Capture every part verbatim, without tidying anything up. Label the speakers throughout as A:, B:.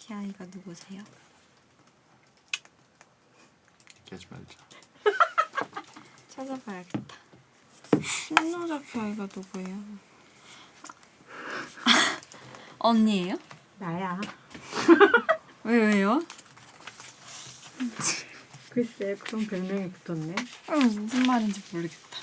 A: 히아이가 누구세요?
B: 얘기하지 말자.
A: 찾아봐야겠다. 신노작 히아이가 누구예요? 언니예요?
C: 나야.
A: 왜 왜요?
C: 글쎄 그런 별명이 붙었네.
A: 어, 무슨 말인지 모르겠다.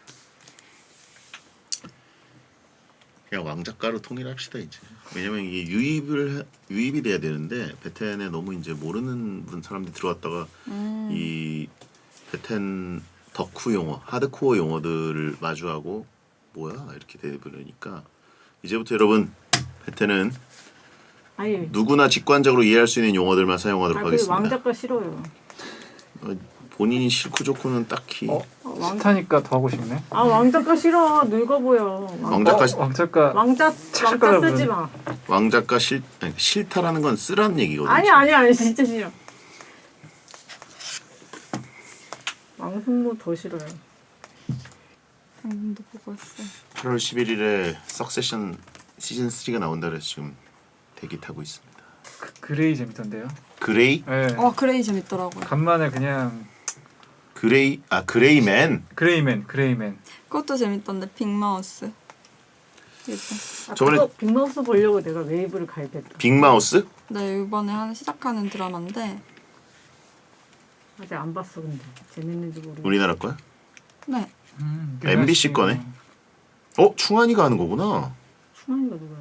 B: 그냥 왕작가로 통일합시다 이제. 왜냐면 이게 유입을 해- 유입이 돼야 되는데 베텐에 너무 이제 모르는 분 사람들이 들어왔다가
A: 음.
B: 이 베텐 덕후 용어, 하드코어 용어들을 마주하고 뭐야 이렇게 되버리니까 이제부터 여러분 베텐은
C: 아니.
B: 누구나 직관적으로 이해할 수 있는 용어들만 사용하도록
C: 아, 그
B: 하겠습니다.
C: 왕작가 싫어요.
B: 어, 본인이 싫고 좋고는 딱히
D: 어?
C: 어, 왕...
D: 싫다니까 더 하고 싶네.
C: 아 왕작가 싫어. 늙어 보여. 왕...
B: 왕작가
D: 어? 왕작가
C: 왕자
D: 착각을
C: 왕자 쓰지
D: 부르네.
C: 마.
B: 왕작가 싫 아니, 싫다라는 건 쓰라는 얘기거든요.
C: 아니 아니 아니 진짜 싫어. 왕승무 더 싫어요.
A: 방금도 보고 왔어.
B: 팔월 십일일에 석세션 시즌 쓰리가 나온다 그래서 지금 대기 타고 있습니다.
D: 그, 그레이 재밌던데요.
B: 그레이?
D: 네.
A: 와 그레이 재밌더라고요.
D: 간만에 그냥
B: 그레이 아 그레이맨.
D: 그레이맨 그레이맨.
A: 그것도 재밌던데 빅마우스. 이거.
C: 아,
B: 저번에-
C: 그거 빅마우스 보려고 내가 웨이브를 가입했다.
B: 빅마우스?
A: 네 이번에 하는 시작하는 드라마인데.
C: 아직 안 봤어 근데 재밌는지 모르겠어.
B: 우리나라 거야?
A: 네.
D: 음,
B: 엠비씨 거네. 어 충환이가 하는 거구나.
C: 충환이가 누구야?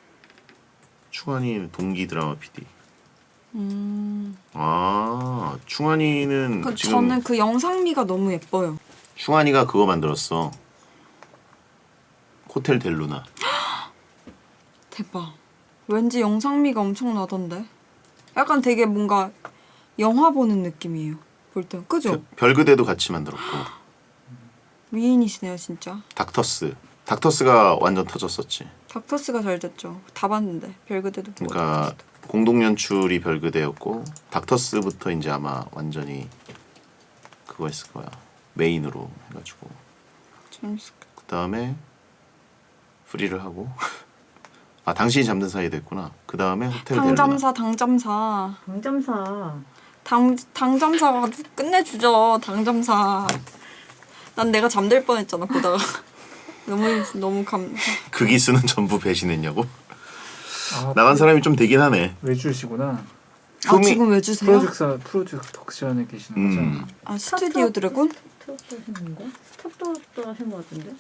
B: 충환이 동기 드라마 피디.
A: 음.
B: 아 충환이는
A: 그,
B: 지금
A: 저는 그 영상미가 너무 예뻐요.
B: 충환이가 그거 만들었어. 호텔 델루나.
A: 대박. 왠지 영상미가 엄청나던데. 약간 되게 뭔가 영화 보는 느낌이에요. 볼 때. 그죠?
B: 별그대도 같이 만들었고.
A: 미인이시네요 진짜.
B: 닥터스. 닥터스가 완전 터졌었지.
A: 닥터스가 잘 됐죠. 다 봤는데 별그대도 보고.
B: 그러니까
A: 닥터스도.
B: 공동 연출이 별그대였고 닥터스부터 이제 아마 완전히 그거 했을 거야. 메인으로 해가지고
A: 재밌었겠다.
B: 그 다음에 프리를 하고 아 당신이 잠든 사이에 됐구나. 그 다음에 호텔 델루나.
A: 당잠사 당잠사.
C: 강점사.
A: 당 당잠사가 끝내주죠. 당잠사. 난 내가 잠들 뻔했잖아 보다가. 너무 너무 감.
B: 그 기수는 전부 배신했냐고?
D: 아,
B: 나간 사람이 좀 되긴 하네.
D: 외주시구나.
A: 아
B: 효미-
A: 지금 왜 주세요?
D: 프로젝사 프로젝션에 계시는 거죠.
B: 음.
A: 아 스튜디오 드래곤?
C: 스톱도 하신 건가? 스톱도 하신 것 같은데?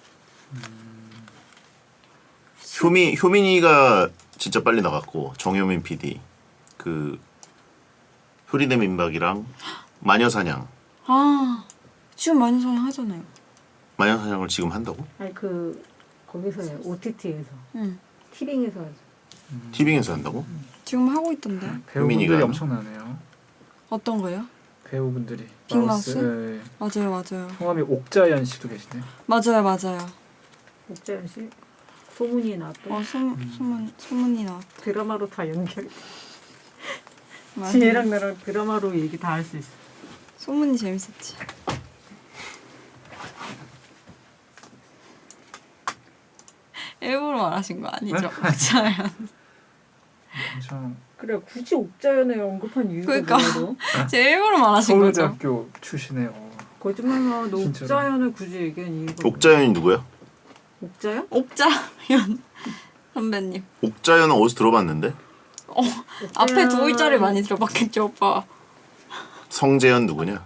B: 효미 효민이가 진짜 빨리 나갔고 정효민 피디 그 효리대 민박이랑 마녀사냥
A: 아 지금 많이 사냥 하잖아요.
B: 마녀사냥을 지금 한다고?
C: 아니 그 거기서 해. 오티티에서.
A: 응.
C: 티빙에서 하죠.
B: 티빙에서 한다고?
A: 지금 하고 있던데.
D: 배우분들이
B: 효민이가
D: 엄청나네요.
A: 어떤 거요?
D: 배우분들이.
A: 빅마우스?
D: 네.
A: 맞아요 맞아요.
D: 성함이 옥자연 씨도 계시네.
A: 맞아요 맞아요.
C: 옥자연 씨 소문이 나왔던
A: 어 소문 소문 소문이 나.
C: 드라마로 다 연결.
A: 맞아요.
C: 지혜랑 나랑 드라마로 얘기 다 할 수 있어.
A: 소문이 재밌었지. 일부러 말하신 거 아니죠? 맞아요.
D: 엄청
C: 그래 굳이 옥자연을 언급한 이유가
A: 그러니까.
C: 뭐예요?
A: 제 일부러 말하신 거죠.
D: 서울대학교 출신이에요.
C: 거짓말마 너
D: 진짜로.
C: 옥자연을 굳이 얘기한 이유가
B: 옥자연이 누구야?
C: 옥자연?
A: 옥자연 선배님.
B: 옥자연은 어디서 들어봤는데?
A: 어 앞에 두 글자를 많이 들어봤겠죠 오빠.
B: 성재현 누구냐?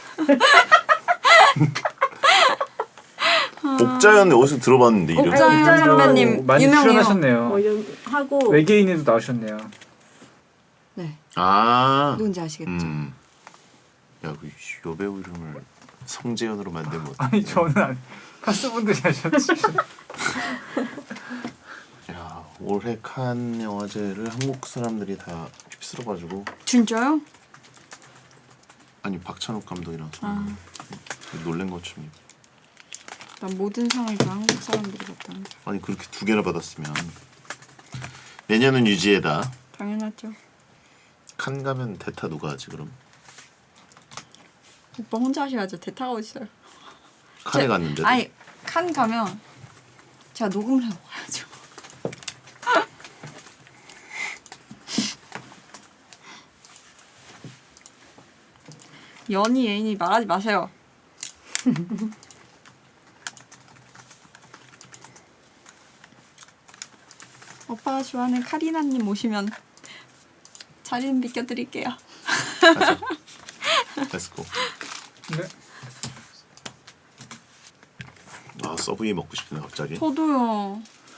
B: 옥자연 어디서 들어봤는데 이름?
A: 옥자연
C: 옥자연
A: 선배님
D: 많이
A: 유명해요.
D: 출연하셨네요.
C: 어, 연, 하고
D: 외계인에도 나오셨네요.
A: 네
B: 아,
A: 누군지 아시겠죠?
B: 음, 야그 여배우 이름을 성재현으로 만들면 어떡해?
D: 아니 저는 아니, 가수분들이 하셨지.
B: 야 올해 칸 영화제를 한국 사람들이 다 휩쓸어가지고
A: 진짜요?
B: 아니 박찬욱 감독이랑
A: 아.
B: 놀란 것처럼.
A: 난 모든 상을 다 한국 사람들이 받다는 줄.
B: 아니 그렇게 두 개나 받았으면 내년은 유지해다.
A: 당연하죠.
B: 칸 가면 대타 누가 하지 그럼?
A: 오빠 혼자 하셔야죠. 대타가 어딨어요?
B: 칸에
A: 제-
B: 갔는데도.
A: 아니 칸 가면 제가 녹음을 하고 가야죠. 연희 애인이 말하지 마세요. 오빠가 좋아하는 카리나님 오시면 자리 좀 비켜드릴게요.
B: 가자. 렛츠고.
D: 네.
B: 아 서브웨이 먹고 싶네 갑자기.
A: 저도요.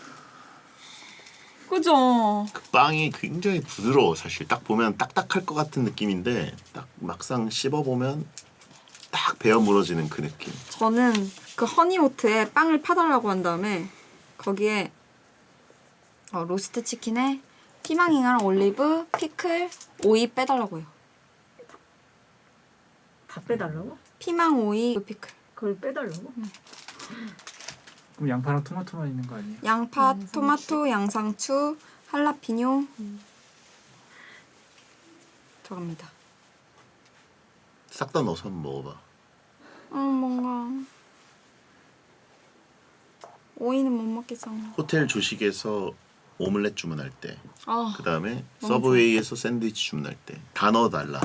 A: 그죠?
B: 그 빵이 굉장히 부드러워 사실. 딱 보면 딱딱할 것 같은 느낌인데 딱 막상 씹어 보면 딱 베어 물어지는 그 느낌.
A: 저는 그 허니오트에 빵을 파달라고 한 다음에 거기에 어, 로스트 치킨에 피망이랑 올리브, 피클, 오이 빼달라고 해요.
C: 다 빼달라고?
A: 피망, 오이, 피클.
C: 그걸 빼달라고?
D: 그럼 양파랑 토마토만 있는 거 아니에요?
A: 양파,
C: 양상추.
A: 토마토, 양상추, 할라피뇨 들어갑니다.
B: 싹 다 넣어서 한번 먹어봐.
A: 음 뭔가 오이는 못 먹겠잖아.
B: 호텔 조식에서 오믈렛 주문할 때,
A: 아
B: 그 다음에
A: 너무
B: 서브웨이에서 샌드위치 주문할 때 다 넣어달라.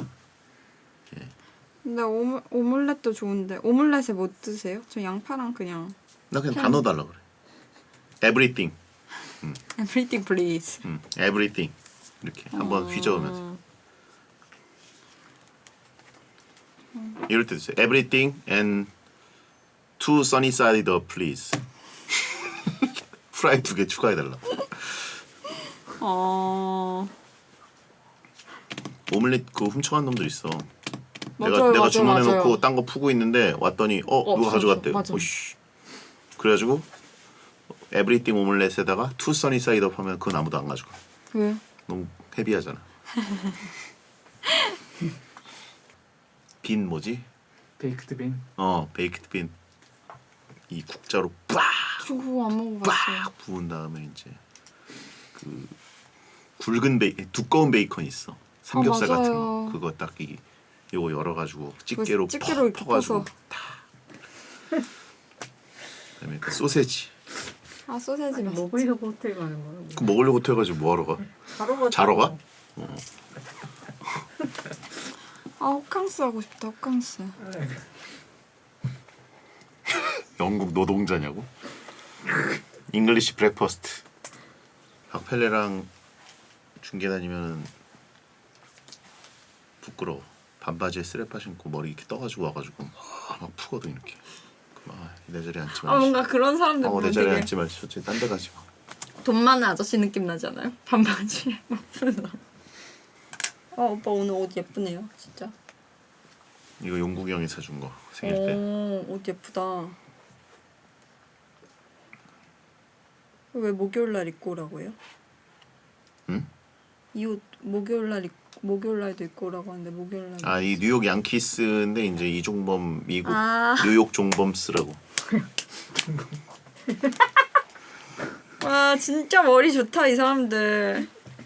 A: 근데 오믈, 오믈렛도 좋은데 오믈렛에 뭐 드세요? 저 양파랑 그냥
B: 나 그냥 다
A: 편-
B: 넣어달라 그래. Everything,
A: everything please.
B: 음, everything 이렇게 한번
A: 어.
B: 휘저으면서 이럴 때 드세요. Everything and two sunny side up please. 프라이 두 개 추가해달라.
A: 어
B: 오믈렛 그 훔쳐간 놈들 있어.
A: 맞아요,
B: 내가 내가
A: 맞아요,
B: 주문해놓고
A: 맞아요.
B: 딴 거 푸고 있는데 왔더니 어,
A: 어,
B: 누가
A: 맞아,
B: 가져갔대.
A: 맞아.
B: 오씨. 그래가지고 에브리띵 오믈렛에다가 투 써니 사이드업 하면 그건 아무도 안 가져가.
A: 왜?
B: 너무 헤비하잖아. 빈 뭐지?
D: 베이크드 빈.
B: 어 베이크드 빈. 이 국자로 빡
A: 저 그거 안 먹어봤어요.
B: 빡 부은 다음에 이제 그 굵은 베이 두꺼운 베이컨 있어. 삼겹살
A: 아,
B: 같은
A: 맞아요.
B: 거. 그거 딱 이 요거 열어가지고 집게로
A: 그 집게로 이렇게
B: 퍼가지고
A: 퍼서.
B: 다. 그다음에 그 소세지.
A: 아 소세지 맛있지.
C: 먹으려고 호텔 가는 거야?
B: 그 먹으려고 해가지고 뭐하러 가?
C: 자러 가.
B: 자러 가?
A: 아 호캉스 하고 싶다 호캉스.
B: 영국 노동자냐고? 잉글리시 브렉퍼스트. 박펠레랑 중계 다니면은 부끄러워. 반바지에 쓰레빠 신고 머리 이렇게 떠가지고 와가지고 막 푸거든 이렇게. 아, 내 자리에 앉지
A: 아
B: 말지.
A: 뭔가 그런 사람들
B: 어, 내
A: 보면
B: 자리에
A: 되게
B: 앉지 말지. 저쪽에 딴데 가지 마.
A: 돈 많은 아저씨 느낌 나지 않아요? 반바지에 막 푸는 사람. 아 오빠 오늘 옷 예쁘네요 진짜.
B: 이거 용국이 형이 사준 거 생일 때.
A: 오옷 예쁘다. 왜 목요일 날 입고 오라고 해요?
B: 응?
A: 이 옷 목요일 날 입, 목요일 날도 입고 오라고 하는데 목요일 날.
B: 아, 이 뉴욕 양키스인데 이제 이종범 미국
A: 아.
B: 뉴욕 종범스라고.
A: 와 진짜 머리 좋다 이 사람들.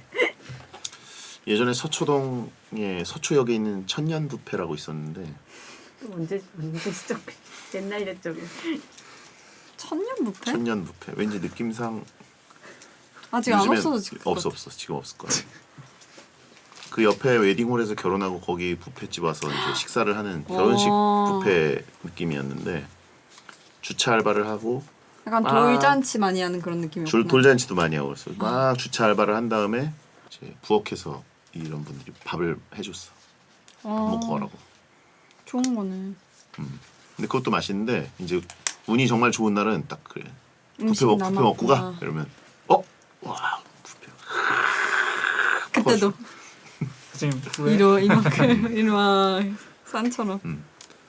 B: 예전에 서초동에 서초역에 있는 천년 뷔페라고 있었는데
C: 또 언제 언제 시작? 옛날 옛적에.
A: 천년 뷔페?
B: 천년 뷔페. 왠지 느낌상
A: 아직 안
B: 요즘엔
A: 없어졌을 것
B: 없어
A: 같아.
B: 없어 지금 없을 거야. 그 옆에 웨딩홀에서 결혼하고 거기 뷔페집 와서 이제 식사를 하는 결혼식
A: 어.
B: 뷔페 느낌이었는데 주차 알바를 하고
A: 약간
B: 아.
A: 돌잔치 많이 하는 그런 느낌이었구나.
B: 줄 돌잔치도 많이 하고 그래서 막 주차 알바를 한 다음에 이제 부엌에서 이런 분들이 밥을 해줬어.
A: 아,
B: 먹고 가라고.
A: 좋은 거네.
B: 근데 그것도 맛있는데 이제 운이 정말 좋은 날은 딱 그래. 뷔페
A: 음식
B: 먹 뷔페 먹고 가.
A: 남았구나.
B: 이러면 어? 와 뷔페.
A: 그때도
D: 선생님 후회.
A: 이러 이만큼 이마 산처럼.
B: 음.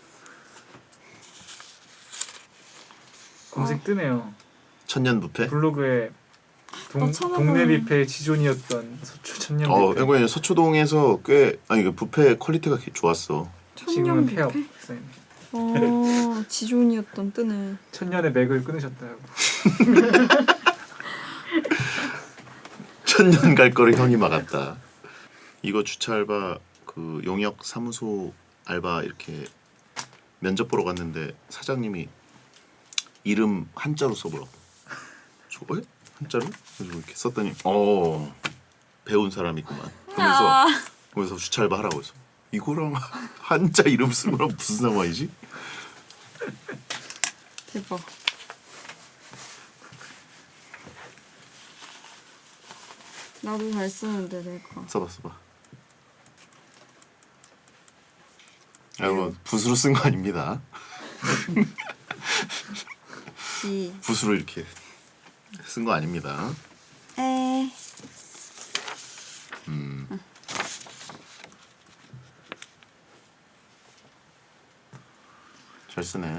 D: 검색 뜨네요.
B: 천년 뷔페?
D: 블로그에 동,
A: 나 찾아보면-
D: 동네 뷔페의 지존이었던 서초 천년
B: 어,
D: 뷔페.
B: 이거 서초동에서 꽤 아니 그 뷔페 퀄리티가 꽤 좋았어.
A: 천년
D: 지금은 폐업.
A: 뷔페?
D: 선생님.
A: 어 지존이었던 뜨네.
D: 천년의 맥을 끊으셨다고.
B: 천년 갈 거를 형이 막았다. 이거 주차 알바 그 용역 사무소 알바 이렇게 면접 보러 갔는데 사장님이 이름 한자로 써보라고. 저 에? 한자로? 그래서 이렇게 썼더니 어 배운 사람이구만. 그러면서
A: 아.
B: 그러면서 주차 알바 하라고 해서 이거랑 한자 이름 쓰는 거랑 무슨 상관이지?
A: 대박. 나도 잘 쓰는데 내가.
B: 써봐 써봐. 여러분 붓으로 쓴 거 아닙니다.
A: 지.
B: 붓으로 이렇게 쓴 거 아닙니다.
A: 에.
B: 잘 쓰네.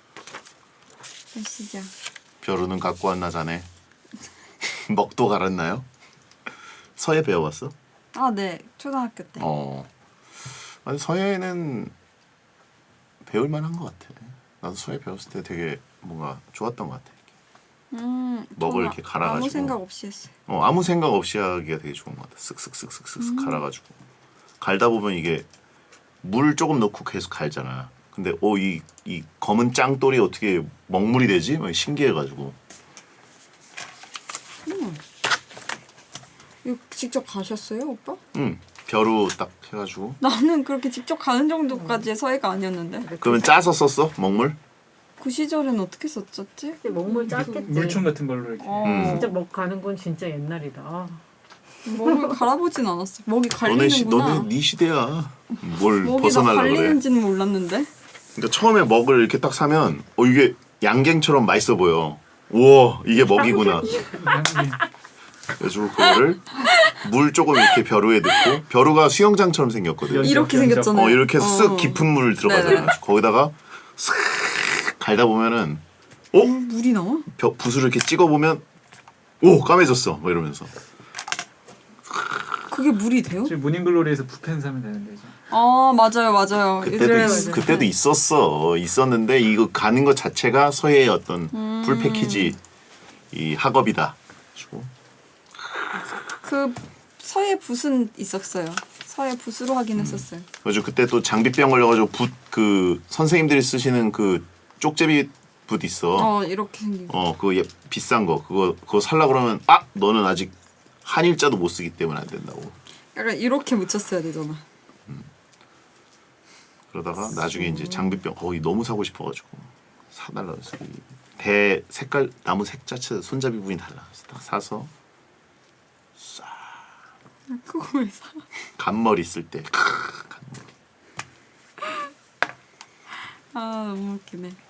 A: 시작.
B: 벼루는 갖고 왔나 자네. 먹도 갈았나요? 서예 배워봤어?
A: 아, 네. 초등학교 때.
B: 어. 아니 서예는 배울 만한 것 같아. 나도 서예 배웠을 때 되게 뭔가 좋았던 것 같아.
A: 음.
B: 먹을
A: 저는
B: 이렇게 갈아가지고.
A: 아무 생각 없이 했어요.
B: 어 아무 생각 없이 하기가 되게 좋은 것 같아. 쓱쓱쓱쓱쓱쓱 갈아가지고 갈다 보면 이게 물 조금 넣고 계속 갈잖아. 근데 어이 이 검은 짱돌이 어떻게 먹물이 되지? 막 신기해가지고.
A: 이거 직접 가셨어요, 오빠?
B: 응 벼루 딱 해가지고.
A: 나는 그렇게 직접 가는 정도까지의 서예가 아니었는데.
B: 그러면 짜서 썼어 먹물?
A: 그 시절엔 어떻게 썼었지?
C: 근데 먹물 짰겠지.
D: 물총 같은 걸로 이렇게.
A: 어.
B: 음.
C: 진짜 먹 가는 건 진짜 옛날이다. 아,
A: 먹을 갈아보진 않았어. 먹이
B: 너네 시
A: 갈리는구나.
B: 너네 네 시대야. 뭘
A: 먹이 다
B: 벗어나려 그래?
A: 갈리는지는 몰랐는데.
B: 그러니까 처음에 먹을 이렇게 딱 사면 어 이게 양갱처럼 맛있어 보여. 우와 이게 먹이구나.
D: 양이
B: 그래가지고 그거를 물 조금 이렇게 벼루에 넣고 벼루가 수영장처럼 생겼거든.
D: 연적,
A: 이렇게
D: 연적.
A: 생겼잖아요.
B: 어 이렇게
A: 어.
B: 쓱 깊은 물 들어가잖아.
A: 네네.
B: 거기다가 쓱 갈다 보면은 어?
A: 어, 물이 나와?
B: 벼, 붓을 이렇게 찍어 보면 오 까매졌어. 뭐 이러면서.
A: 그게 물이 돼요?
D: 저희 모닝글로리에서 붓펜 사면 되는데 이제.
A: 아, 맞아요, 맞아요.
B: 그때도
A: 요즘에
B: 있,
A: 맞아요.
B: 그때도 있었어. 있었는데 이거 가는 것 자체가 서예의 어떤
A: 음.
B: 풀 패키지 이 학업이다. 그래가지고
A: 그 서예 붓은 있었어요. 서예 붓으로 하긴 했었어요.
B: 그래가지고 그때 또 장비병 걸려가지고 붓 그 선생님들이 쓰시는 그 쪽제비 붓 있어.
A: 어, 이렇게 생긴 거.
B: 어 그거 예, 비싼 거 그거 그거 살라 그러면 아 너는 아직 한일자도 못 쓰기 때문에 안 된다고.
A: 약간 이렇게 묻혔어야 되잖아.
B: 그러다가 나중에 이제 장비병 거의 너무 사고 싶어가지고 사달라 그래서 이 대 색깔 나무 색 자체 손잡이 부분이 달라. 그래서 딱 사서
A: 그거 왜 사?
B: 간머리 쓸 때. 간머리.
A: 아, 너무 웃기네.